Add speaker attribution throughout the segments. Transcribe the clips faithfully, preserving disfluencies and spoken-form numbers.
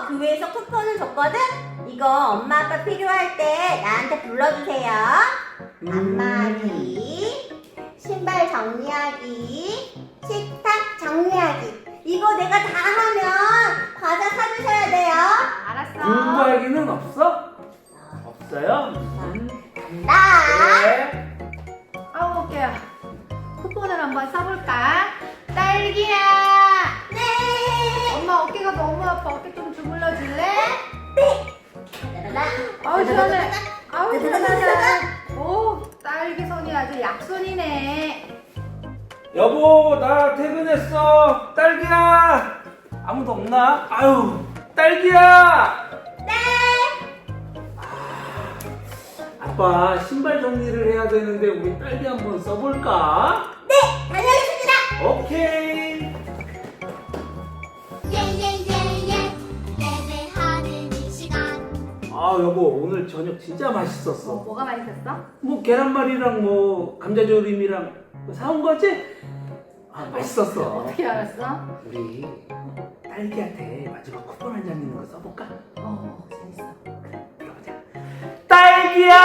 Speaker 1: 교회에서 쿠폰을 줬거든? 이거 엄마 아빠 필요할 때 나한테 불러주세요.
Speaker 2: 음.
Speaker 1: 안마기, 신발 정리하기, 식탁 정리하기. 이거 내가 다 하면 과자 사주셔야 돼요.
Speaker 3: 알았어.
Speaker 2: 공부하기는 없어? 없어요? 음.
Speaker 1: 나.
Speaker 2: 그래.
Speaker 3: 아우 어깨야. 쿠폰을 한번 써볼까? 딸기야.
Speaker 1: 네.
Speaker 3: 엄마 어깨가 너무 아파. 어깨 좀 주물러 줄래?
Speaker 1: 따라라.
Speaker 3: 아우 시원해. 아우
Speaker 1: 따다다다다.
Speaker 3: 시원하다. 오 딸기 손이 아주 약손이네.
Speaker 2: 여보, 나 퇴근했어. 딸기야. 아무도 없나? 아유, 딸기야.
Speaker 1: 네.
Speaker 2: 아빠 신발 정리를 해야 되는데 우리 딸기 한번 써볼까?
Speaker 1: 네. 다녀오겠습니다.
Speaker 2: 오케이.
Speaker 4: 예예예예 예배하는 이 시간
Speaker 2: 아 여보, 오늘 저녁 진짜
Speaker 3: 어,
Speaker 2: 맛있었어.
Speaker 3: 뭐가 맛있었어?
Speaker 2: 뭐 계란말이랑 뭐 감자조림이랑 사온 거지? 아 맛있었어.
Speaker 3: 어떻게 알았어?
Speaker 2: 우리 딸기한테 마지막 쿠폰 한 장 있는 거 써볼까?
Speaker 3: 어 재밌어.
Speaker 2: 들어가자. 딸기야!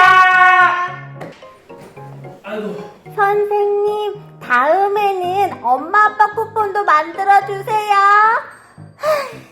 Speaker 2: 아이고.
Speaker 1: 선생님, 다음에는 엄마 아빠 쿠폰도 만들어 주세요.